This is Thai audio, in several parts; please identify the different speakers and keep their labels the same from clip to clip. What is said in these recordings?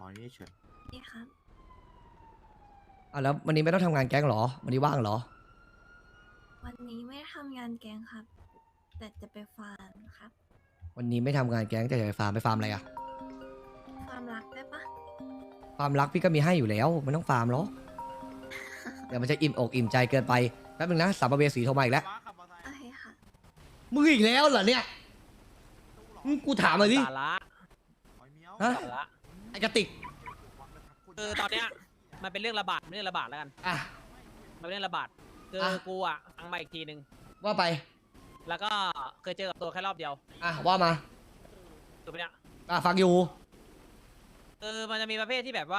Speaker 1: อนี่เฉย
Speaker 2: นี่ครับ
Speaker 3: แล้ววันนี้ไม่ต้องทำงานแก๊งเหรอวันนี้ว่างเหรอ
Speaker 2: วันนี้ไม่ได้ทำงานแกงครับ แต่จะไปฟาร์มครับ
Speaker 3: วันนี้ไม่ทำงานแก๊งแต่จะไปฟาร์มอะไรอะ
Speaker 2: ฟาร์มรักได้ปะ
Speaker 3: ฟาร์มรักพี่ก็มีให้อยู่แล้วไม่ต้องฟาร์มหรอกเดี๋ยวมันจะอิ่มอกอิ่มใจเกินไปแป๊บนึงนะสัมภเวสีโทรมาอีกแล้ว
Speaker 2: โอเคค่ะ
Speaker 3: มึงอีกแล้วเหรอเนี่ยกูถามเลยดิ
Speaker 4: สาระ
Speaker 3: ฮะ
Speaker 4: สาระ
Speaker 3: ไอกระติก
Speaker 4: คือตอนเนี้ยมันเป็นเรื่องระบาดแล้วกัน
Speaker 3: อ่ะ
Speaker 4: มันเป็นเรื่องระบาดคือ
Speaker 3: อ่ะ
Speaker 4: กูอ่ะฟังมาอีกทีนึง
Speaker 3: ว่าไป
Speaker 4: แล้วก็เคยเจอกับตัวแค่รอบเดียว
Speaker 3: ว่ามา
Speaker 4: ถูกไหมเนี่ย
Speaker 3: ฟังอยู่
Speaker 4: คือมันจะมีประเภทที่แบบว่า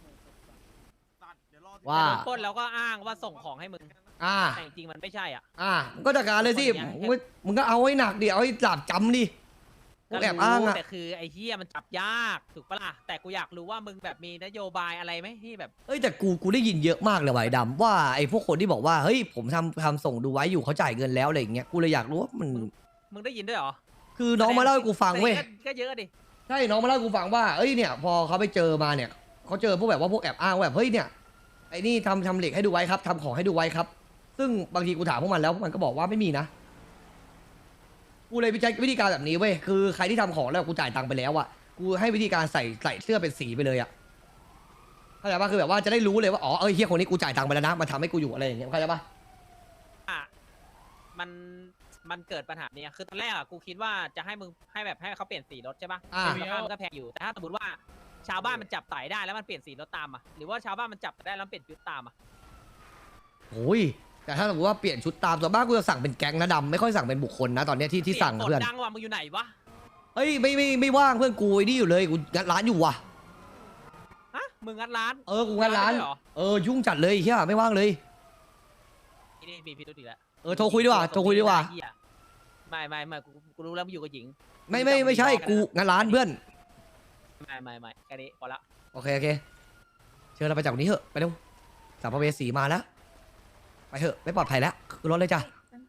Speaker 3: ว่า
Speaker 4: จะโดนปล้นแล้วก็อ้างว่าส่งของให้มึง แต่จริงๆมันไม่ใช่อ่ะ
Speaker 3: มึงก็จัดการเลยสิ
Speaker 4: คนอย่างเงี้ย
Speaker 3: มึงก็เอาให้หนักดิเอาให้หลาบจำดิพวกแอบอ้างอะ
Speaker 4: แต่คือไอ้เฮียมันจับยากถูกปะล่ะแต่กูอยากรู้ว่ามึงแบบมีนโยบายอะไรไหมที่แบบ
Speaker 3: เอ้ยแต่กูได้ยินเยอะมากเลยว่ะไอ้ดำว่าไอ้พวกคนที่บอกว่าเฮ้ยผมทำส่งดูไว้อยู่เขาจ่ายเงินแล้วอะไรอย่างเงี้ยกูเลยอยากรู้ว่ามัน
Speaker 4: มึงได้ยินด้วยเหรอ
Speaker 3: คือน้องมาเล่าให้กูฟังเว้ย
Speaker 4: ก็เยอะดิ
Speaker 3: ใช่น้องมาเล่าให้กูฟังว่าเอ้ยเนี่ยพอเขาไปเจอมาเนี่ยเขาเจอพวกแบบว่าพวกแอบอ้างว่าแบบเฮ้ยเนี่ยไอ้นี่ทำเหล็กให้ดูไว้ครับทำของให้ดูไว้ครับ ซึ่งบางทีกูถามพวกมันแล้วพวกมันก็บอกว่าไม่มีนะกูเลยใช้วิธีการแบบนี้เว้ยคือใครที่ทำของแล้วกูจ่ายตังค์ไปแล้วอะกูให้วิธีการใส่เสื้อเป็นสีไปเลยอะเข้าใจปะคือแบบว่าจะได้รู้เลยว่าอ๋อเอ้ยเฮียคนนี้กูจ่ายตังค์ไปแล้วนะมันทำให้กูอยู่อะไรอย่างเงี้ยเข้าใจปะ
Speaker 4: อ่ะมันเกิดปัญหาเนี้ยคือตอนแรกอ่ะกูคิดว่าจะให้มึงให้แบบให้เขาเปลี่ยนสีรถใช่ปะราคามันก็แพงอยู่แต่ถ้าสมมติว่าชาวบ้านมันจับไต่ได้แล้วมันเปลี่ยนสีรถตามอ่ะหรือว่าชาวบ้านมันจับได้แล้วเปลี่ยนชุดตามอ่ะ
Speaker 3: โอ้ยแต่ถ้าสมมติว่าเปลี่ยนชุดตามส่วนมากกูจะสั่งเป็นแก๊งนะดำไม่ค่อยสั่งเป็นบุคคลนะตอนเนี้ยที่สั่งนะ
Speaker 4: เสี
Speaker 3: เพื่
Speaker 4: ย
Speaker 3: อน
Speaker 4: งดังว่ะมึงอยู่ไหนวะ
Speaker 3: เฮ้ยไม่ว่างเพื่อนกูไอ้นี่อยู่เลยกูงัดร้านอยู่ว่ะ
Speaker 4: ฮะมึงงัดร้าน
Speaker 3: กูงัดร้าน
Speaker 4: ด้วยเหรอ
Speaker 3: ยุ่งจัดเลยเฮียไม่ว่างเลย
Speaker 4: นี่มีพิรุธอีกแล้ว
Speaker 3: โทรคุยดีกว่าโทรคุยดีกว่า
Speaker 4: เหี้ยไม่กูรู้แล้วมึงอยู่กับหญิง
Speaker 3: ไม่ใช่กูงัดร้านเพื่อน
Speaker 4: ไม่แค่นี้พอละ
Speaker 3: โอเคเชิญเราไปจากนี้เถอะไปเร็วสัมภเวสีมาแล้วไปเถอะไม่ปลอดภัยแล้วขึ้นรถเลยจ้ะ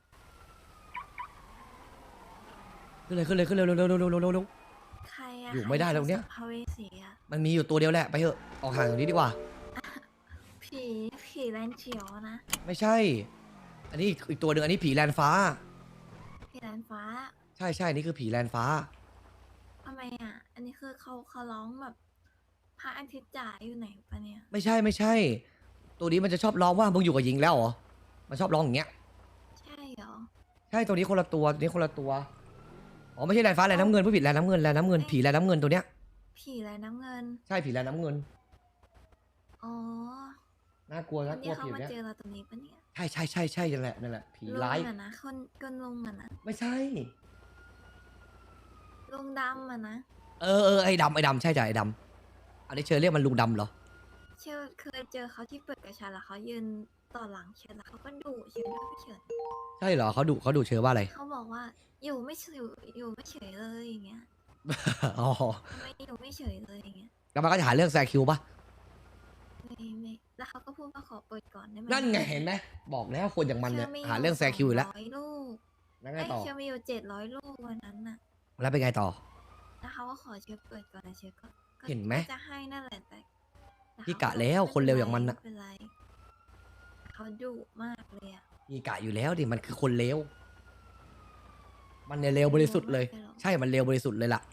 Speaker 3: ขึ้นเลยเร็ว
Speaker 2: ใครอะ
Speaker 3: อยู่ไม่ได้แล้วเนี่ย
Speaker 2: พาเวสีอะ
Speaker 3: มันมีอยู่ตัวเดียวแหละไปเถอะออกห่างจากนี้ดีกว่า
Speaker 2: ผีแลนเขียวนะ
Speaker 3: ไม่ใช่ อันนี้อีกตัวหนึ่งอันนี้ผีแลนฟ้า
Speaker 2: ผีแลนฟ้า
Speaker 3: ใช่นี่คือผีแลนฟ้า
Speaker 2: ทำไมอะอันนี้คือเขาร้องแบบพระอาทิตย์จ๋าอยู่ไหนปะเนี่ย
Speaker 3: ไม่ใช่ตัวนี้มันจะชอบร้องว่ามึงอยู่กับหญิงแล้วเหรอมันชอบร้องอย่างเงี้ย
Speaker 2: ใช่เหรอ
Speaker 3: ใช่ตัวนี้คนละตัวอ๋อไม่ใช่แลนฟ้าแลนน้ำเงินผู้ผิดแลนน้ำเงินผีแลนน้ำเงินตัวเนี้ย
Speaker 2: ผีแลนน้ำเงิน
Speaker 3: ใช่ผีแลนน้ำเงิน
Speaker 2: อ๋อ
Speaker 3: น่ากลัว
Speaker 2: วั
Speaker 3: น่าน กลั
Speaker 2: นี้
Speaker 3: ว
Speaker 2: เขา
Speaker 3: ผี
Speaker 2: มา
Speaker 3: เนี้ย
Speaker 2: เจอเราตรงนี้ปะเนี่ย
Speaker 3: ใช่นั่นแหละผี
Speaker 2: ลุง
Speaker 3: ร้าย
Speaker 2: อะนะคนลุงอะนะ
Speaker 3: ไม่ใช่
Speaker 2: ลุงดำอะนะ
Speaker 3: ไอ้ดำใช่จ้ะไอ้ดำอันนี้เชิญเรียกมันลุงดำเหรอ
Speaker 2: เคยเจอเขาที่เปิดกระชาแล้วเขายืนต่อหลังเชิญแล้วเขาก็ดุเชิญด้วยเฉิน
Speaker 3: ใช่เหรอเขาดุเชิญว่าอะไร
Speaker 2: เขาบอกว่าอยู่ไม่เฉยเลยอย่างเงี้ย
Speaker 3: อ๋อ
Speaker 2: ไม่อยู่ไม่เฉยเลยอย่างเงี้ย
Speaker 3: แล้วมันก็จะหาเรื่องแซคิวปะ
Speaker 2: ไม่แล้วเขาก็พูดว่าขอเปิดก่อนได้ไหม
Speaker 3: นั่นไงเห็นไหมบอกแล้วคนอย่างมันเนี่ย
Speaker 2: ชื่
Speaker 3: หาเรื่องแซคิวอยู่แล้ว
Speaker 2: 200ลูก
Speaker 3: แล้วไง
Speaker 2: ไอ้
Speaker 3: ต่อ
Speaker 2: เชื่อมีอยู่700 ลูกวันนั้นน่ะ
Speaker 3: แล้วเป็นไงต่อ
Speaker 2: แล้วเขาก็ขอเชื่อเปิดก่อนนะเชื่อก็
Speaker 3: เห็นไหม
Speaker 2: จะให้นั่นแหละแต่
Speaker 3: พี่กะแล้วคนเร็วอย่างมันน่ะ
Speaker 2: ไม่เป็นไรเขาดุมากเลยอะ
Speaker 3: มีกะอยู่แล้วดิมันคือคนเลวมันเนี่ยเลวบริสุทธิ์เลย ใช่มันเลวบริสุทธิ์เลยล่ะ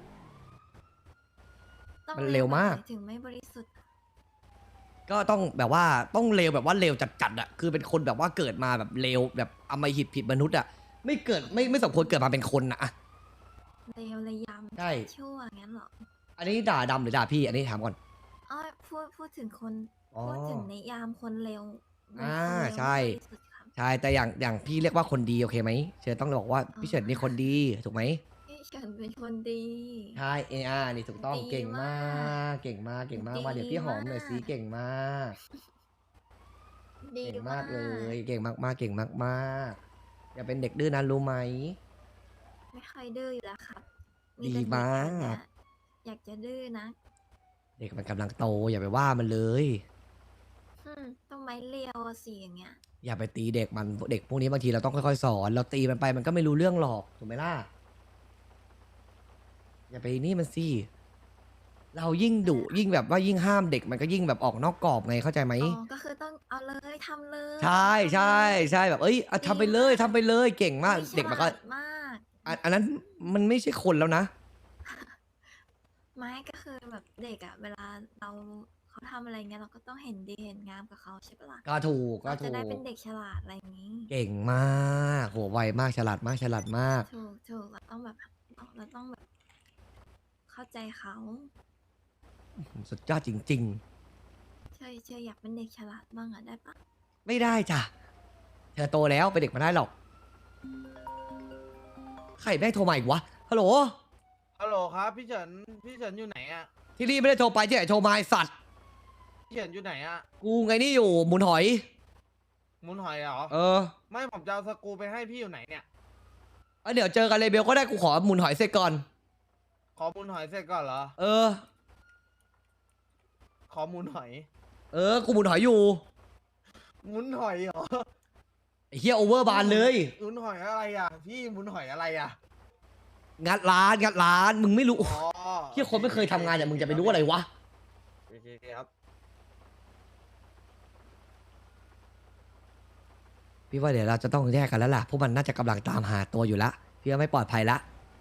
Speaker 2: ต้อง
Speaker 3: มันเร็วมาก
Speaker 2: ถึงไม่บริสุทธิ์
Speaker 3: ก็ต้องแบบว่าต้องเลวแบบว่าเลวจัดๆอ่ะคือเป็นคนแบบว่าเกิดมาแบบเลวแบบอำมหิตผิดมนุษย์อ่ะไม่เกิดไม่สมควรเกิดมาเป็นคนนะอะ
Speaker 2: เลวเลยยำ
Speaker 3: ใช่
Speaker 2: ชั่วงั้นเหรอ
Speaker 3: อันนี้ด่าดำหรือด่าพี่อันนี้ถามก่อน
Speaker 2: อ๋อพูดถึงคน
Speaker 3: อ๋อ
Speaker 2: พูดถึงในยามคนเร็ว
Speaker 3: อ่า
Speaker 2: คนเร็ว
Speaker 3: ใช่
Speaker 2: ไม่บริสุทธิ์ครับ
Speaker 3: ใช่แต่อย่างพี่เรียกว่าคนดีโอเคไหมเชิญต้องบอกว่าพี่เฉินนี่คนดีถูกไหม
Speaker 2: พี่เฉินเป็นคนดี
Speaker 3: ใช่นี่ถูกต้อง
Speaker 2: ดี
Speaker 3: เก่งมาม
Speaker 2: าก
Speaker 3: เก่งมาก
Speaker 2: ดี
Speaker 3: มาเดี๋ยวพี่หอมหน่อยสิ
Speaker 2: มาก
Speaker 3: เก่งมาก
Speaker 2: ดี
Speaker 3: เก่งมากเลยเก่งมากเก่งมากอย่าเป็นเด็กดื้อนะรู้ไหม
Speaker 2: ไม่ค่อยดื้ออยู่แล้วครับ
Speaker 3: ดี
Speaker 2: แต่เด็
Speaker 3: มาก
Speaker 2: เนี่ยอยากจะดื้อนะ
Speaker 3: เด็กมันกำลังโตอย่าไปว่ามันเลย
Speaker 2: ต้องไม้เรียวอะสิอย่างเงี้ย
Speaker 3: อย่าไปตีเด็กมันเด็กพวกนี้บางทีเราต้องค่อยๆสอน เราตีมันไปมันก็ไม่รู้เรื่องหรอกถูกไหมล่ะอย่าไปนี่มันสิเรายิ่งดุยิ่งแบบว่ายิ่งห้ามเด็กมันก็ยิ่งแบบออกนอกกรอบไงเข้าใจไหม
Speaker 2: อ๋อก็คือต้องเอาเลยทำเลย
Speaker 3: ใช่ใช่ใช่แบบเอ้ยเอาทำไปเลยทำไปเลยเก่งมาก
Speaker 2: อุ๊ย
Speaker 3: เด็กมันก็
Speaker 2: ฉลาดมาก
Speaker 3: อันนั้นมันไม่ใช่คนแล้วนะ
Speaker 2: ไม่ก็คือแบบเด็กอะเวลาเราเขาทำอะไรเงี้ยเราก็ต้องเห็นดีเห็นงามกับเขาใช่ปะล่ะ
Speaker 3: ก็ถูกก็
Speaker 2: เรา
Speaker 3: ถู
Speaker 2: จะ
Speaker 3: ก
Speaker 2: ได้เป็นเด็กฉลาดอะไรอย่างนี้
Speaker 3: เก่งมากโหไวมากฉลาดมากฉลาดมาก
Speaker 2: ถูกเราต้องแบบเราต้องแบบ เข้าใจเขา
Speaker 3: สุดยอดจริง
Speaker 2: เชยอยากเป็นเด็กฉลาดบ้างอะได้ปะ
Speaker 3: ๆ ไม่ได้จ้ะเธอโตแล้วเป็นเด็กมาได้หรอกใครแม่งโทรมาอีกวะฮัลโหล
Speaker 1: ฮัลโหลครับพี่เฉินอยู่ไหนอ่ะ
Speaker 3: ที่นี่ไม่ได้โทรไปที่ไหนโทรมาไอ้สัตว์
Speaker 1: พี่เฉินอยู่ไหนอ่ะ
Speaker 3: กูไงนี่อยู่หมุนหอย
Speaker 1: หมุนหอยเหรอ
Speaker 3: เออ
Speaker 1: ไม่ผมจะเอาสกรูไปให้พี่อยู่ไหนเนี่ย
Speaker 3: เดี๋ยวเจอกันเลยเบลก็ได้กูขอหมุนหอยเสร็จก่อน
Speaker 1: ขอหมุนหอยเสร็จก่อนเหรอ
Speaker 3: เออ
Speaker 1: ขอหมุนหอย
Speaker 3: กูหมุนหอยอยู่
Speaker 1: หมุนหอยเหรอ
Speaker 3: ไอ้เฮียโอเวอร์บานเลย
Speaker 1: หมุนหอยอะไรอ่ะพี่หมุนหอยอะไรอ่ะ
Speaker 3: งัดร้านมึงไม่รู้
Speaker 1: อ๋อ
Speaker 3: เฮียคนไม่เคยทำงานอย่างมึงจะไปรู้อะไรวะ
Speaker 1: โอเคครับ
Speaker 3: พี่ว่าเดี๋ยวเราจะต้องแยกกันแล้วล่ะพวกมันน่าจะกำลังตามหาตัวอยู่ละพี่ว่าไม่ปลอดภัยละ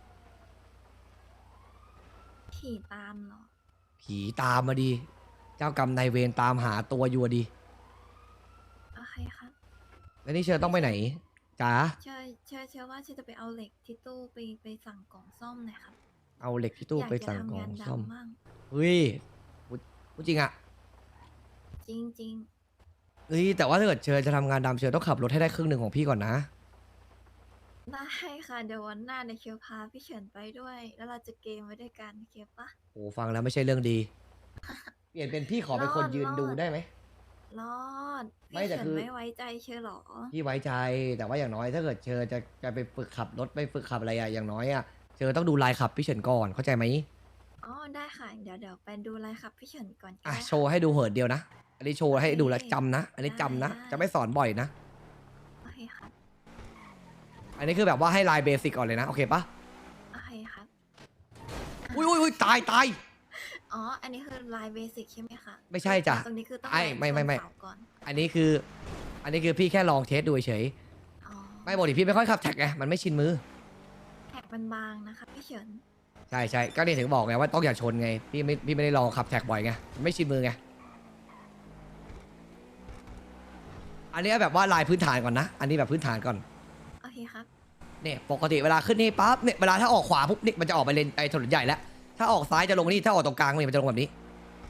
Speaker 2: ขี่ตามเหรอ
Speaker 3: ผีตามมาดีเจ้ากรรมนายเวรตามหาตัวอยู่อะดี
Speaker 2: โอเคครับ
Speaker 3: แล้วนี่เชิญต้องไปไหนจ๋า
Speaker 2: เชื่อว่าเชื่อจะไปเอาเหล็กที่ตู้ไปสั่งกล่องซ่อมหน่อยครับ
Speaker 3: เอาเหล็กที่ตู้
Speaker 2: อยาก
Speaker 3: ไป
Speaker 2: จะ
Speaker 3: สั่ง
Speaker 2: ทำ
Speaker 3: กล่อง
Speaker 2: งาน
Speaker 3: ซ่อม
Speaker 2: ดำมั่ง
Speaker 3: เฮ้ยพูดจริงอะ
Speaker 2: จริง
Speaker 3: เฮ้ยแต่ว่าถ้าเกิดเชิญจะทำงานดำเชิญต้องขับรถให้ได้ครึ่งหนึ่งของพี่ก่อนนะ
Speaker 2: ๆ ได้ค่ะเดี๋ยววันหน้าเดี๋ยวเคียวพาพี่เฉินไปด้วย แล้วเราจะเกมไว้ด้วยกันโอเคปะ
Speaker 3: โอ้ฟังแล้วไม่ใช่เรื่องดี เปลี่ยนเป็นพี่ขอเป็นคนยืนดูได้ไหม
Speaker 2: รอด
Speaker 3: ไม่
Speaker 2: พี่
Speaker 3: แต่
Speaker 2: เฉิน
Speaker 3: คือ
Speaker 2: ไม่ไว้ใจเชื่อหรอ
Speaker 3: พี่ไว้ใจแต่ว่าอย่างน้อยถ้าเกิดเชิญจะไปฝึกขับรถไปฝึกขับอะไรอะอย่างน้อยอะเชิญต้องดูลายขับพี่เฉินก่อนเข้าใจไหม
Speaker 2: อ๋อได้ค่ะเดี๋ยวไปดูอะไรครับพี่เฉินก่อนก็
Speaker 3: อ่ะ
Speaker 2: ได้
Speaker 3: โชว์ให้ดูเหินเดียวนะอันนี้โชว์ให้ดูแล้วจำนะ อันนี้จำนะ
Speaker 2: ได้
Speaker 3: จะไม่สอนบ่อยนะ
Speaker 2: โอเคครับ
Speaker 3: อันนี้คือแบบว่าให้ลายเบสิกก่อนเลยนะโอเคปะ
Speaker 2: โอเคครับ
Speaker 3: อุ้ยตาย
Speaker 2: อ๋ออันนี้คือลายเบสิกใช่ไหมคะ
Speaker 3: ไม่ใช่จ้ะ
Speaker 2: ตรงนี้คือต้อง
Speaker 3: ไอ้ไม่
Speaker 2: ชน
Speaker 3: ไม่
Speaker 2: เสาก่อน
Speaker 3: อันนี้คือพี่แค่ลองเทสดูเฉย
Speaker 2: อ๋อ
Speaker 3: ไม่บอกดิพี่ไม่ค่อยขับแท็กไงมันไม่ชินมือ
Speaker 2: แท็กมันบางนะคะพี่เฉิน
Speaker 3: ใช่ก็นี่ถึงบอกไงว่าต้องอย่าชนไงพี่ไม่ได้ลองขับแท็กบ่อยไงมันไม่ชินมือไงอันนี้แบบว่าลายพื้นฐานก่อนนะ อันนี้แบบพื้นฐานก่อน
Speaker 2: โอเคครับ
Speaker 3: เนี่ยปกติเวลาขึ้นนี่ปั๊บเนี่ยเวลาถ้าออกขวาปุ๊บนี่มันจะออกไปเลนไอ้ถนนใหญ่แล้วถ้าออกซ้ายจะลงนี่ถ้าออกตรงกลางนี่มันจะลงแบบนี้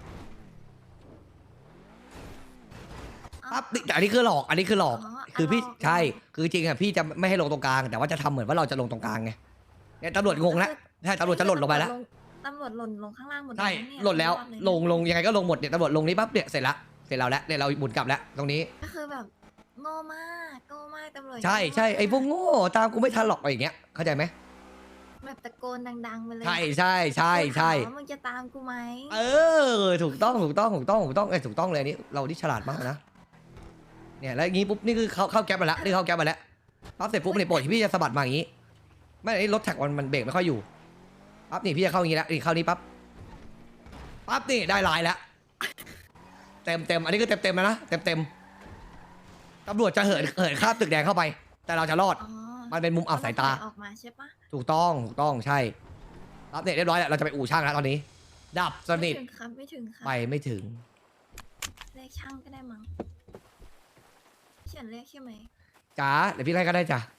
Speaker 3: ปั๊บนี่แต่อันนี้คือหลอกคือพี่ใช่คือจริงอ่ะพี่จะไม่ให้ลงตรงกลางแต่ว่าจะทำเหมือนว่าเราจะลงตรงกลางไงเนี่ยตำรวจงงแล้วใช่ตำรวจจะหล่นลงไปแล้ว
Speaker 2: ตำรวจหล่นลงข้างล่างหมด
Speaker 3: ใช่
Speaker 2: เยเนี่ย
Speaker 3: หล่นแล้ว
Speaker 2: รอดเย
Speaker 3: ลงยังไงก็ลงหมดเนี่ยตำรวจลงนี้ปั๊บเนี่ยเสร็จเราแล้วเนี่ยเราหมุนกลับแล้วตรงนี้
Speaker 2: ก็คือแบบโง่มากตำรวจ
Speaker 3: ใช่
Speaker 2: โง่มาก
Speaker 3: ใช่ไอ้พวกโง่ตามกูไม่ทันหรอกอะไรอย่างเงี้ยเข้าใจไหม
Speaker 2: แบบตะโกนดังๆไปเลย
Speaker 3: ใช่
Speaker 2: กูถามว่ามึงจะตามกูไหม
Speaker 3: ถูกต้องถูกต้องเลยอันนี้เราที่ฉลาดมากนะเนี่ยแล้วอย่างงี้ปุ๊บนี่คือเข้าแก๊ปมาแล้วนี่เข้าแก๊ปมาแล้วปั๊บเสร็จปุ๊บเนี่ยปกติพี่จะสะบัดมาอย่างงี้ไม่ไอ้รถแท็กมันเบรกไม่ค่อยอยู่ปั๊บนี่พี่จะเข้าอย่างงี้แล้วนี่เข้านี้ปั๊บนี่ได้ลายแล้วเต็มอันนี้คือเต็มแล้วนะเต็มตำรวจจะเหินข้ามตึกแดงเข้าไป แต่เราจะรอด
Speaker 2: อ๋อ
Speaker 3: มันเป็นมุมอับสายตา
Speaker 2: ออกมาใช่ปะ
Speaker 3: ถูกต้องใช่รับเน็ตเรียบร้อยแล้วเราจะไปอู่ช่างแล้วตอนนี้ ดับสนิท
Speaker 2: ไม่ถึงครับไม่ถึงครับ
Speaker 3: ไปไม่ถึง
Speaker 2: เรียกช่างก็ได้มั้งพี่เฉินเรียกใช่ไหม
Speaker 3: จ๋าเดี๋ยวพี่ไล่ก็ได้จ้ะ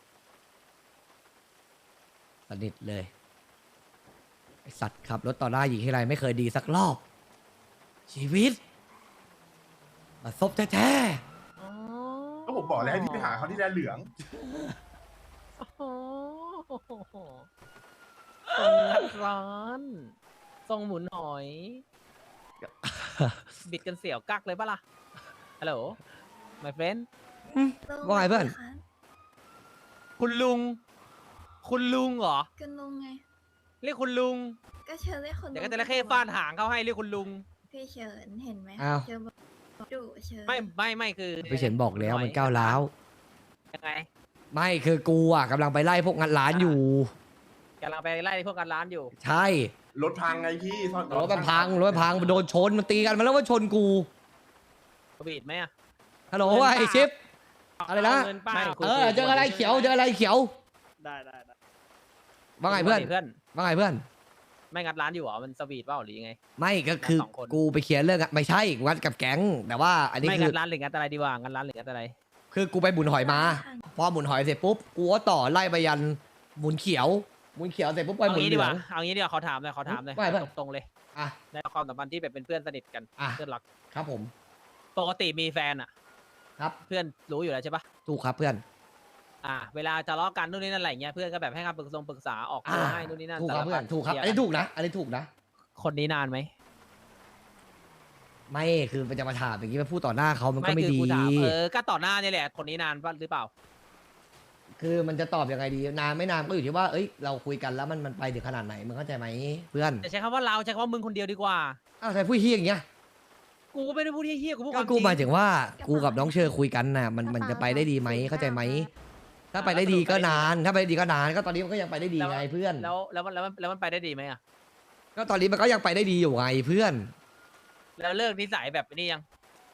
Speaker 3: สนิทเลยไอสัตว์ขับรถต่อหน้าหญิงที่ไรไม่เคยดีสักรอบ ชีวิตมาซบแท้
Speaker 5: ก็ผมบอกแล้วให้พี่ไปหาเขาที่แดนเหลือง
Speaker 4: โอ้โหทรงงัดร้านทรงหมุนหอย บิดกันเสียวกักเลยปะล่ะ ฮัลโหล my friend
Speaker 3: ๆว่าไงเพื่อน
Speaker 2: คะ
Speaker 4: คุณลุงเหรอ
Speaker 2: กันลุงไง
Speaker 4: เรียกคุณลุง
Speaker 2: ก็เชิญเรียกคน
Speaker 4: เดี๋ยวก็จะระเข้ฟาดหางเขาให้เรียกคุณลุง
Speaker 2: พี่เฉินเห็นไหม
Speaker 3: อ้าว
Speaker 2: เชิญบอกดุเชิญ
Speaker 4: ไม่คือ
Speaker 3: พี่เฉินบอกแล้วมันก้าวร้าว
Speaker 4: ยังไง
Speaker 3: ไม่คือกูอ่ะกำลังไปไล่พวกงัดร้านอยู่
Speaker 4: กำลังไปไล่พวกกันร้านอยู่
Speaker 3: ใช่
Speaker 5: รถพังไงพี่ซ่อน
Speaker 3: รถมันพังโดนชนมันตีกันมาแล้วว่าชนกู
Speaker 4: สวีทไหมอะ
Speaker 3: ฮัลโหลว่าไอ้ชิปอะไรนะ
Speaker 4: เาเงินป้า
Speaker 3: เจออะไรเขียวเจออะไรเขียว
Speaker 6: ได้
Speaker 3: ว่าไงเพื่อน
Speaker 4: เพื่อน
Speaker 3: ว่าไงเพื่อน
Speaker 4: ไม่งัดร้านอยู่เหรอมันสวีทเปล่าหรือยังไง
Speaker 3: ไม่ก็คือ
Speaker 4: สองคน
Speaker 3: กูไปเคลียร์เรื่องอะไม่ใช่งัดกับแก๊งแต่ว่าอันนี้
Speaker 4: ไม่
Speaker 3: คื
Speaker 4: งั
Speaker 3: อ
Speaker 4: ดร้านหรืองัดอะไรดีกว่างัดร้านหรืองัดอะไร
Speaker 3: คือกูไปหมุนหอยมา พอหมุนหอยเสร็จปุ๊บกูก็ต่อไล่ไปยันหมุนเขียวเสร็จปุ๊บไป
Speaker 4: เอา
Speaker 3: หมุน
Speaker 4: งี้
Speaker 3: เห
Speaker 4: ดี
Speaker 3: ลื
Speaker 4: ก
Speaker 3: อ
Speaker 4: ว่าง เอางี้ดีกว่าขอถามเลย
Speaker 3: ไม่เพื่อน
Speaker 4: ตรงๆเลย
Speaker 3: อ่ะ
Speaker 4: ในความสัมพันธ์ที่แบบเป็นเพื่อนสนิทกัน
Speaker 3: อ่ะ
Speaker 4: เพื่อนรัก
Speaker 3: ครับผม
Speaker 4: ปกติมีแฟนอ่ะ
Speaker 3: ครับ
Speaker 4: เพื่อนรู้อยู่แล้วใช่ปะ
Speaker 3: ถูกครับเพื่อน
Speaker 4: เวลาทะเลาะกันนู่นนี่นั่นอะไรเงี้ยเพื่อนก็แบบให้คำปรึกษาออกตัวให้นู่นนี่นั่น
Speaker 3: ถูกครับ
Speaker 4: สา
Speaker 3: เพื่อน
Speaker 4: พัด
Speaker 3: ถูกครับ
Speaker 4: เคลีย
Speaker 3: อันนี้ถูกนะอันนี้ถูกนะ
Speaker 4: คนนี้นานไหม
Speaker 3: ไม่คือมันจะมาถามอย่างนี้มาพูดต่อหน้าเขามันก็
Speaker 4: ไม่
Speaker 3: ไม่
Speaker 4: คือ
Speaker 3: ดี
Speaker 4: กูถามก็ต่อหน้านี่แหละคนนี้นานปะหรือเปล่า
Speaker 3: คือมันจะตอบยังไงดีนานไม่นานก็อยู่ที่ว่าเอ้ยเราคุยกันแล้วมันไปถึงขนาดไหนมึงเข้าใจไหมเพื่อน
Speaker 4: จะใช้คำว่าเราใช้คำว่ามึงคนเดียวดีกว่า
Speaker 3: อ้าวใครพูดเฮี้ยอย่างเงี้ย
Speaker 4: กูก็ไม่ได้พูดเฮี้ยๆกูพูดค
Speaker 3: ก็
Speaker 4: วามจ
Speaker 3: กู
Speaker 4: ริง
Speaker 3: หมายถึงว่ากูกับน้องเชอคุยกันน่ะมันจะไปได้ดีไหมเข้าใจไหมถ้าไปได้ดีก็นานถ้าไปได้ดีก็นานก็ตอนนี้มันก็ยังไปได้ดีไงเพื่อน
Speaker 4: แล้วมันไปได้ดีไหมอ่ะ
Speaker 3: ก็ตอนนี้มันก็ยังไปได้ดีอยู่ไงเพื่อน
Speaker 4: แล้วเลิกนิสัยแบบนี้ยัง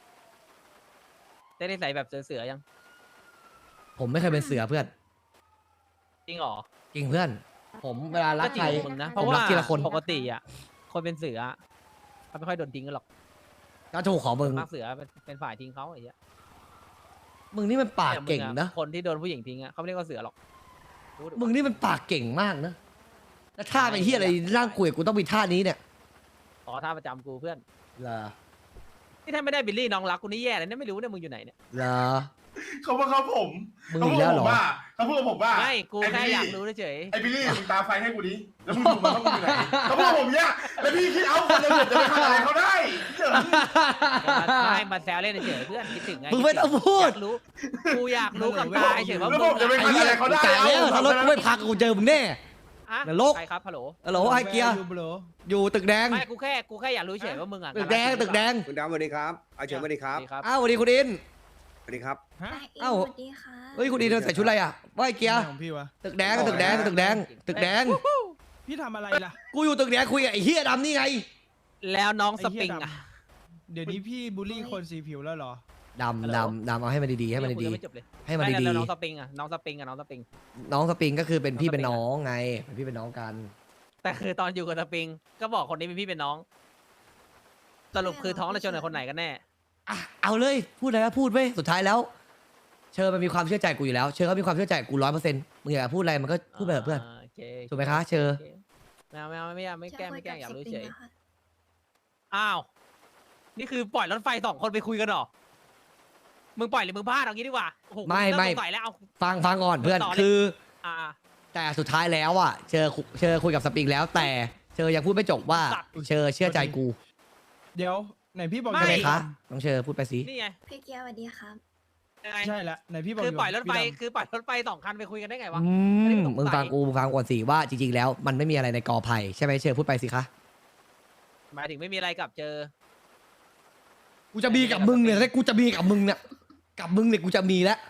Speaker 4: ได้นิสัยแบบเสือๆยัง
Speaker 3: ผมไม่เคยเป็นเสือเพื่อน
Speaker 4: จริงเหรอ
Speaker 3: จริงเพื่อน ผมเวลารัก
Speaker 4: ก็จริ
Speaker 3: ใค
Speaker 4: ง
Speaker 3: ร
Speaker 4: ของมึงนะ
Speaker 3: ผม
Speaker 4: เพราะว่า
Speaker 3: รักทีละคน
Speaker 4: ปกติอ่ะคนเป็นเสือเขาไม่ค่อยโดนทิ้งกันหรอก
Speaker 3: ก็ถูกของมึง
Speaker 4: มากเสือเป็นฝ่ายทิ้งเขาไอ้เหี้ย
Speaker 3: มึงนี่มันปากเก่ง
Speaker 4: แต่มึ
Speaker 3: นะ
Speaker 4: คนที่โดนผู้หญิงทิ้งอ่ะเขาไม่เรียกว่าเสือหรอกรู้ดิ
Speaker 3: มึงนี่มันปากเก่งมากนะแล้วท่าไอ้เฮียอะไรร่างกุยกูต้องมีท่านี้เนี่ย
Speaker 4: ขอท่าประจำกูเพื่อน
Speaker 3: เหรอ
Speaker 4: นี่ถ้าไม่ได้บิลลี่น้องรักกูนี่แย่เลยเนี่ยไม่รู้เนี่ยมึงอยู่ไหนเนี่ย
Speaker 3: เหรอ
Speaker 5: เขาว่าเขาผม
Speaker 3: มึงอีกแล้วเหรอ
Speaker 5: เขาพูดกับผมว่า
Speaker 4: ไม่กูแค่อยากรู้เฉย
Speaker 5: ไอ้บิลลี่มึงตาไฟให้กูดิแล้วมึงดูมันว่ามึงอยู่ไหนเขาพูดกับผมเนี่ยแล้วพี่คิดเอาคนจะไปทำอะไรเขาได้เจ๋ง
Speaker 4: ๆไม่มาแซวเล่นเฉยๆเพื่อนคิดถึงไง
Speaker 3: มึงไม่ต้องพูด
Speaker 4: อยากรู้กูอยากรู้กับตาเฉยๆว่า
Speaker 5: แล้ว
Speaker 4: มึ
Speaker 5: ผ
Speaker 4: ง
Speaker 5: มจะไป
Speaker 3: ไอ้
Speaker 5: ทำ
Speaker 3: เหี้
Speaker 5: อะ
Speaker 3: ย
Speaker 5: ไรเขาได้
Speaker 3: จ่ายแล้วถ้ารถกูไม่พักกูเจอมึงแน่
Speaker 4: อะ
Speaker 3: นรก
Speaker 4: ใครครับฮัลโหล
Speaker 3: ฮัลโหลไอ้เกียร์อยู่ตึกแดง
Speaker 4: ไม่กูแค่อยากรู้เฉยว่ามึงอ่ะ
Speaker 3: ตึกแดงตึกแดง
Speaker 7: คุณดำสวัสดีครับอาเฉินสวัสดีครับ
Speaker 3: อ้าวสวัสดีคุณอิน
Speaker 7: สวัสดีครับ
Speaker 3: เอ้า
Speaker 2: สวัสดีค่ะ
Speaker 3: เฮ้ยคุณอินใส่ชุดอะไรอ่ะว่าไอ้เกียร์
Speaker 6: ของพี่วะ
Speaker 3: ตึกแดงตึกแดงตึกแดงตึกแดง
Speaker 6: พี่ทำอะไรล่ะ
Speaker 3: กูอยู่ตึกแดงคุยกับไอ้เฮียดำนี่ไง
Speaker 4: แล้วน้องส
Speaker 6: ไอ้เหี้
Speaker 4: ปริ
Speaker 6: ย
Speaker 4: ง
Speaker 6: ดำ
Speaker 4: อ่ะ
Speaker 6: เดี๋ยวนี้พี่บูลลี่คนสีผิวแล้วเหรอ
Speaker 3: ดำเอาให้มันดีๆให้มันดี
Speaker 4: ไม่จบเลย
Speaker 3: ๆให้มันดี
Speaker 4: แล้วน้องสปริงอ่ะน้องสปริง
Speaker 3: ๆน้องสปริงก็คือเป็นพี่เป็นน้องไงเป็นพี่เป็นน้องกัน
Speaker 4: แต่คือตอนอยู่กับสปริง ก็บอกคนนี้เป็นพี่เป็นน้อง สรุปคือท้องและชนกับคนไหนกันแน่
Speaker 3: อ่ะเอาเลยพูดอะไรก็พูดเว้ยสุดท้ายแล้ว เชอมันมีความเชื่อใจกูอยู่แล้วเชอเขามีความเชื่อใจกู100%มึงอยากพูดอะไรมันก็พูดไปเถอะเพื่อน
Speaker 4: โอเค
Speaker 3: ถูกไหมคะเชอ
Speaker 4: โคไม่แกล้งอยากรู้เฉย
Speaker 2: จะคุกับสปริงหรอคะ
Speaker 4: อ้าว นี่คือปล่อยรถไฟ2 คนไปคุยกันเหรอ มึงปล่อยหรือมึงพลาดเอางี้ดีกว่าโอ้โห
Speaker 3: ไม่
Speaker 4: เริ่สงสัยแล้วเอา
Speaker 3: ฟังก่อนเพื่อน
Speaker 4: ต่อเลย
Speaker 3: คือ
Speaker 4: อ่า
Speaker 3: แต่สุดท้ายแล้วอ่ะเชอคุยกับสปริงแล้ว แต่เชอยังพูดไม่จบว่าเชอเชื่อใจกู
Speaker 6: เดี๋ยวไหนพี่บอก
Speaker 3: ใช่ไหม
Speaker 6: ยอ
Speaker 3: คะน้องเชอพูดไปสิ
Speaker 4: นี่ไง
Speaker 2: พี่เกียร์สวัสดีครับ
Speaker 4: ยังไง
Speaker 6: ใช่ละไหนพี่บอก
Speaker 4: คือปล่อยรถไฟ
Speaker 6: พี่ดำ
Speaker 4: คือปล่อยรถไฟ2 คันไปคุยกันได้ไงวะ
Speaker 3: อื
Speaker 4: อันนี้
Speaker 3: ม
Speaker 4: ผมสงสัย
Speaker 3: มึงฟังก่อนสิว่าจริงๆแล้วมันไม่มีอะไรในกอไผ่ใช่ไหมเชอพูดไปสิคะ
Speaker 4: หมายถึงไม่มีอะไรกับเจอ
Speaker 3: กูจะมีกับมึงเนี่ยถ้ากูจะมีกับมึงเนี่ยกับมึงเนี่ยกูจะมีแล้ว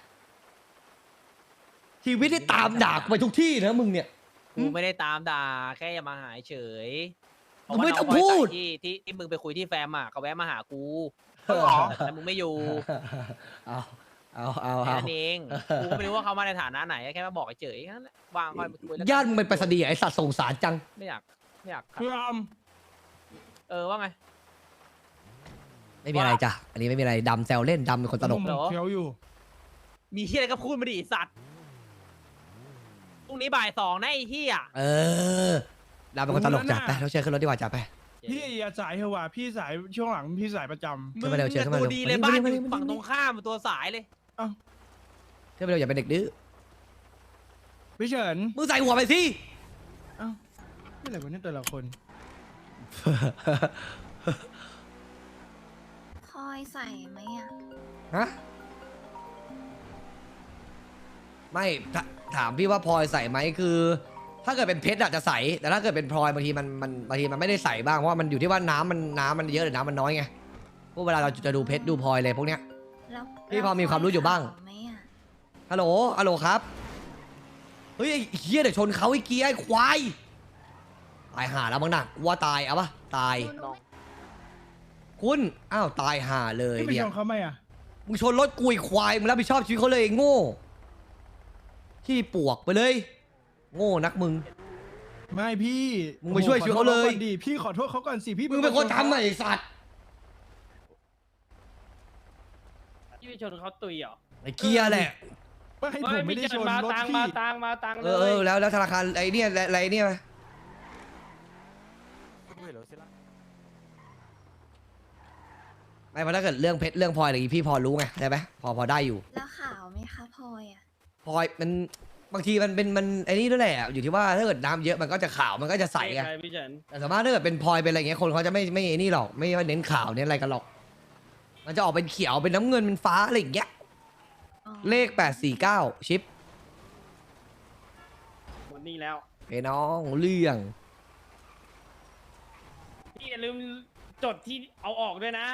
Speaker 3: ชีวิตที่ตามด่ากูไปทุกที่นะมึงเนี่ย
Speaker 4: กูไม่ได้ตามด่าแค่อย่ามาหาเฉย
Speaker 3: มึงไม่ต้อง
Speaker 4: เพราะว่าน้
Speaker 3: พูด
Speaker 4: บยสายที่มึงไปคุยที่แฟมอ่ะเขาแวะมาหากู
Speaker 5: หรอ
Speaker 4: แต่มึงไม่อยู่
Speaker 3: เอา
Speaker 4: แค่นั้นเองกูก็ไม่รู้ว่าเขามาในฐานะไหนแค่มาบอกเฉยๆแค่นั้นแหละวางคอยมาคุยแล้ว
Speaker 3: ญาติมึงเป็นไปรษณีย์ไอ้สัตว์สงสารจัง
Speaker 4: ไม่อยากขัด
Speaker 6: พี่ด
Speaker 4: ว่าไง
Speaker 3: ไม่มีอะไรจ้ะอันนี้ไม่มีอะไรดำแซวเล่นดำเป็นคนตลก
Speaker 6: ผมเคี้ยวอยู่
Speaker 4: มีเฮียอะไรก็พูดมาดิไอ้สัตว์พรุ่งนี้บ่าย 2นะไอ้เฮีย
Speaker 3: เออดำเป็นคนตลกจัดไปเราเชิญขึ้นรถดีกว่าจัดไป
Speaker 6: พี่อย่าสายเถอะว่ะพี่สายช่วงหลังพี่สายประจำ
Speaker 3: ขึ้นมาเร็วเชิญขึ้นมาเร็ว
Speaker 4: ตัวดีเลย
Speaker 3: มา
Speaker 4: บ้าน
Speaker 3: นี่
Speaker 4: อ
Speaker 3: มานี่
Speaker 4: ยู่
Speaker 3: มานี่
Speaker 4: ฝั่งตรงข้ามตัวสายเลย
Speaker 3: ขึ้นไปเร็วอย่าเป็นเด็กดื้อ
Speaker 6: พี่เฉิน
Speaker 3: มึงใส่หัวไปสิ
Speaker 6: เอ้าไม่อะไรวะเนี่ยแต่ละคน
Speaker 2: พลอยใส่ไหมอ่ะ
Speaker 3: ฮะไม่ถามพี่ว่าพลอยใส่ไหมคือ ถ้าเกิดเป็นเพชรอะจะใส่แต่ถ้าเกิดเป็นพลอยบางทีมันไม่ได้ใส่บ้างเพราะว่ามันอยู่ที่ว่าน้ำมันเยอะหรือน้ำมันน้อยไงพวกเวลาเราจะดูเพชรดูพลอยอะไรพวกเนี้ย
Speaker 2: แล้ว
Speaker 3: พี่พอมีความรู้อยู่บ้าง
Speaker 2: ไหมอ่ะ
Speaker 3: ฮัลโหลครับเฮ้ยไอ้เฮียเดี๋ยวชนเขาไอ้เกียร์ไอ้ควายตายห่าแล้วมั้งนะว่าตายเอาปะตาย คุณอ้าวตายห่าเลย
Speaker 6: พี่ไป
Speaker 3: เนี่
Speaker 6: ช
Speaker 3: ย
Speaker 6: นเขาไหมอ่ะ
Speaker 3: มึงชนรถกุยควายมึงรับผิดชอบชีวิตเขาเลยไอ้โง่ขี้ปวกไปเลย โง่นักมึง
Speaker 6: ไม่พี่
Speaker 3: มึงไปช่วยชีวิตเขาเลย
Speaker 6: ขอโทษก่อนดิพี่ขอโทษเขาก่อนสิพี่
Speaker 3: มึงเป็นคนทำไอ้สัตว์
Speaker 8: พี่ไปชนเขาตุยเหรอ
Speaker 3: ไอ้เกียร์แหละ
Speaker 6: ไม่ผมไม่ได้ชน
Speaker 8: มาร
Speaker 6: ถ
Speaker 8: ตัง
Speaker 6: พี่
Speaker 8: มาตังมาตัง
Speaker 3: เอ
Speaker 8: เลย
Speaker 3: อแล้วธนาคารไอ้เนี่ยอะไรเนี่ยไม่เพราะถ้าเกิดเรื่องเพชรเรื่องพลอยอะไรอย่างงี้พี่พอรู้ไงได้ไหมพอได้อยู่
Speaker 2: แล้วขาวไหมคะพลอยอ่ะ
Speaker 3: พลอยมันบางทีมันเป็นมันไอ้นี่ด้วยแหละอยู่ที่ว่าถ้าเกิดน้ำเยอะมันก็จะขาวมันก็จะใสไง
Speaker 8: ใครพี่เฉิน
Speaker 3: แต่สามารถถ้าเกิดเป็นพลอยเป็นอะไรเงี้ยคนเขาจะไม่ไอ้นี่หรอกไม่เน้นขาวเน้นอะไรกันหรอก มันจะออกเป็นเขียวเป็นน้ำเงินเป็นฟ้าอะไรอย่างเงี้ย
Speaker 2: อ๋อ
Speaker 3: เลข849ชิป
Speaker 8: หมดนี่แล้ว
Speaker 3: ไอ้น้องเรื่อง
Speaker 8: พี่อย่าลืมจดที่เอาออกด้วยนะ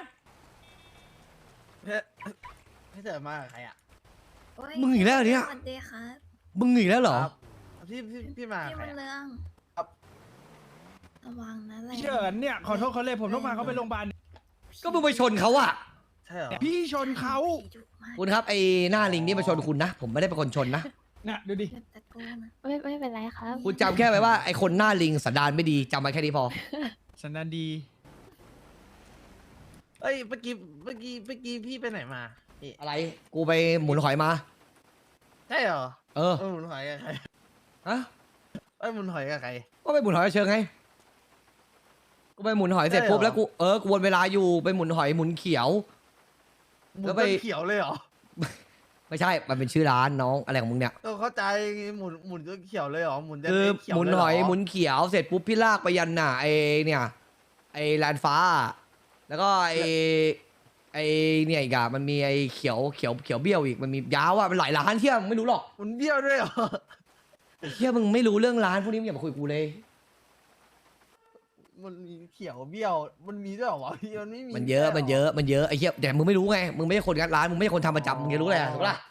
Speaker 1: พี่เฉินมากับใครอ่ะ
Speaker 2: โอ้ย
Speaker 3: มึงอีกแล้วเนี่ย
Speaker 2: สวัสดีครับ
Speaker 3: มึงอีกแล้วเหรอ
Speaker 1: ครับพี่มากับ
Speaker 2: พี่
Speaker 1: ใคร
Speaker 2: บุญ
Speaker 1: อะ
Speaker 2: เรือง
Speaker 1: ครับ
Speaker 2: ระวังนะอะไร
Speaker 6: พี่เฉินเนี่ยขอโทษเขาเลยผมต้องพาเขาไปโรงพยาบาล
Speaker 3: ก็มึงไปชนเขาอะ
Speaker 1: ใช่เหรอ
Speaker 6: พี่ชนเขา
Speaker 2: ผีดุมาก
Speaker 3: คุณครับไอ้หน้าลิงนี่มาชนคุณนะ ผมไม่ได้เป็นคนชนนะ
Speaker 6: น่ะดูดิ
Speaker 2: เล็บตะโกนอะ
Speaker 9: ไม่เป็นไรครับ
Speaker 3: คุณจำแค่ไว้ว่าไอ้คนหน้าลิงสันดานไม่ดีจำไว้แค่นี้พอ
Speaker 6: สันดานดี
Speaker 1: เอ้ยเมื่อกี้พี่ไปไหนมาพี่
Speaker 3: อะไรกูไปหมุนหอยมา
Speaker 1: ใช่เหรอ
Speaker 3: เออ
Speaker 1: หมุนหอยกับใคร
Speaker 3: ฮะ
Speaker 1: หมุนหอยกับใคร
Speaker 3: ก็ไปหมุนหอยเชิงไงกูไปหมุนหอยเสร็จ
Speaker 1: ได้เหรอ
Speaker 3: ปุ๊บแล้วกูวนเวลาอยู่ไปหมุนหอยหมุนเขียว
Speaker 1: หมุน
Speaker 3: แล้วไป
Speaker 1: จนเขียวเลยเหรอ
Speaker 3: ไม่ใช่มันเป็นชื่อร้านน้องอะไรของมึงเนี่ย
Speaker 1: ก็เข้าใจหมุนจนเขียวเลยเหรอหมุนจน
Speaker 3: คือ
Speaker 1: เขียว
Speaker 3: หมุน
Speaker 1: เลย
Speaker 3: ห
Speaker 1: เร
Speaker 3: อยหมุนเขียวเสร็จปุ๊บพี่ลากไปยันน่ะไอเนี่ยไอลานฟ้า แล้วก็ไอเนี่ยอีกอะมันมีไอเขียวเบี้ยวอีกมันมียาวอะมันหลายร้านเที่ยมึงไม่รู้หรอก
Speaker 1: หมุนเบี้ยวด้วยเหรอ
Speaker 3: เที่ยมึงไม่รู้เรื่องร้านพวกนี้มึงอย่ามาคุยกับกูเลย
Speaker 1: มันมีเขียวเบี้ยวมันมีด้วยเหรอวะพี่มันไม่มี
Speaker 3: มันเยอะ
Speaker 1: ใช่หร
Speaker 3: มันเยอะไอเที่ยแต่มึงไม่รู้ไงมึงไม่ใช่คนงัดร้านมึงไม่ใช่คนทำประจำมึงจะรู้อะไรถูกปะล่ะ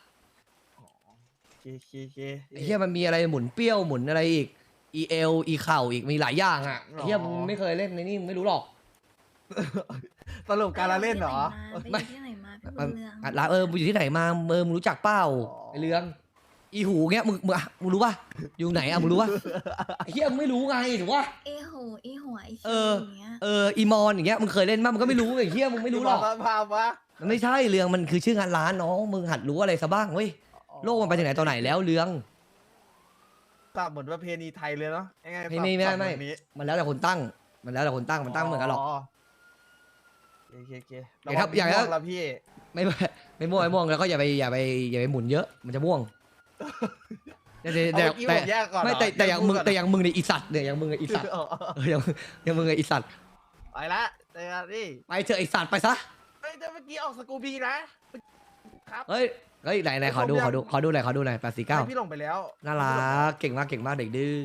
Speaker 1: เค
Speaker 3: ไอเที่ยมันมีอะไรหมุนเปรี้ยวหมุนอะไรอีกอีเข่าอีกมีหลายอย่างอะไอเที่ยมึงไม่เคยเล่นในนี่มึงไม่รู้หรอก
Speaker 1: สรุปการละเล่นเหรอ
Speaker 2: ไปอยู่ที่ไหนมาพี่บุญเรือง
Speaker 3: อ่ะร้านมึงอยู่ที่ไหนมามึงรู้จักเปล่า
Speaker 1: อ๋อ
Speaker 3: ไอเรื่องอีหูเงี้ยมึงรู้ป่ะอยู่ไหนอะมึงรู้ป่ะไอเหี้ยมึงไม่รู้ไงถูกป่ะ
Speaker 2: เอหูอีหัวอี
Speaker 3: เอ
Speaker 2: คิ้ว
Speaker 3: อ
Speaker 2: อย่างเงี้ย
Speaker 3: อีมอนอย่างเงี้ยมึงเคยเล่นมั้ยมึงก็ไม่รู้ไอเหี้ยมึงไม่รู้หรอก
Speaker 1: ภาพวะ
Speaker 3: มันไม่ใช่เรื่องมันคือชื่องานร้านน้องมึงหัดรู้อะไรซะบ้างเว้ยโลกมันไปถึงไหนตอนไหนแล้วเรื่อง
Speaker 1: ปรับเหมือนประเพณีไทยเลยเนาะยังไง
Speaker 3: ไม่
Speaker 1: ปรับ
Speaker 3: ไม่
Speaker 1: ปรับ
Speaker 3: ไม่
Speaker 1: แบบนี้
Speaker 3: มันแล้วแต่คนตั้งมันแล้วแต่คนตั้งมันตั้งไม่เหมือนกันหรอก
Speaker 1: โอเค
Speaker 3: อย่างถ้าอย่าง
Speaker 1: ระ
Speaker 3: ถ้า
Speaker 1: วังละพี่
Speaker 3: ไม่ม่วงแล้วก็อย่าไปหมุนเยอะมันจะม่วงแต่
Speaker 1: เอาเมื่อกี้ผมแยกก่อน
Speaker 3: ไม่
Speaker 1: เหร
Speaker 3: แต่อย่างมึง
Speaker 1: พูดก่อน
Speaker 3: แต่อย่างมึงในยอีสัตว์เนี่ยอย่างมึงไออีสัตว์
Speaker 1: อ๋อ
Speaker 3: อย่างมึงไออีสัตว์
Speaker 1: ไปละแต่นี่
Speaker 3: ไปเถอะไอสัตว์ไปซะ
Speaker 1: เฮ้ยแต่เมื่อกี้ออกสกูบีนะครับ
Speaker 3: เฮ้ยไหนขอดูหน่อยขอดูหน่อย849
Speaker 1: ให้พี่ลงไปแล้ว
Speaker 3: น่ารักเก่งมากเด็กดื้อ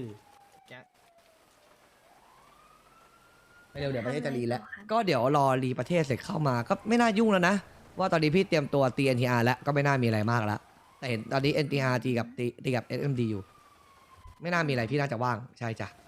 Speaker 3: ไม่เร็วเดี๋ยวประเทศจะรีแล้ว ก็เดี๋ยวรอรีประเทศเสร็จเข้ามาก็ไม่น่ายุ่งแล้วนะ ว่าตอนนี้พี่เตรียมตัวตี NTR แล้วก็ไม่น่ามีอะไรมากแล้ว แต่เห็นตอนนี้ NTR ตีกับ SMD อยู่ ไม่น่ามีอะไรพี่น่าจะว่างใช่จ้ะ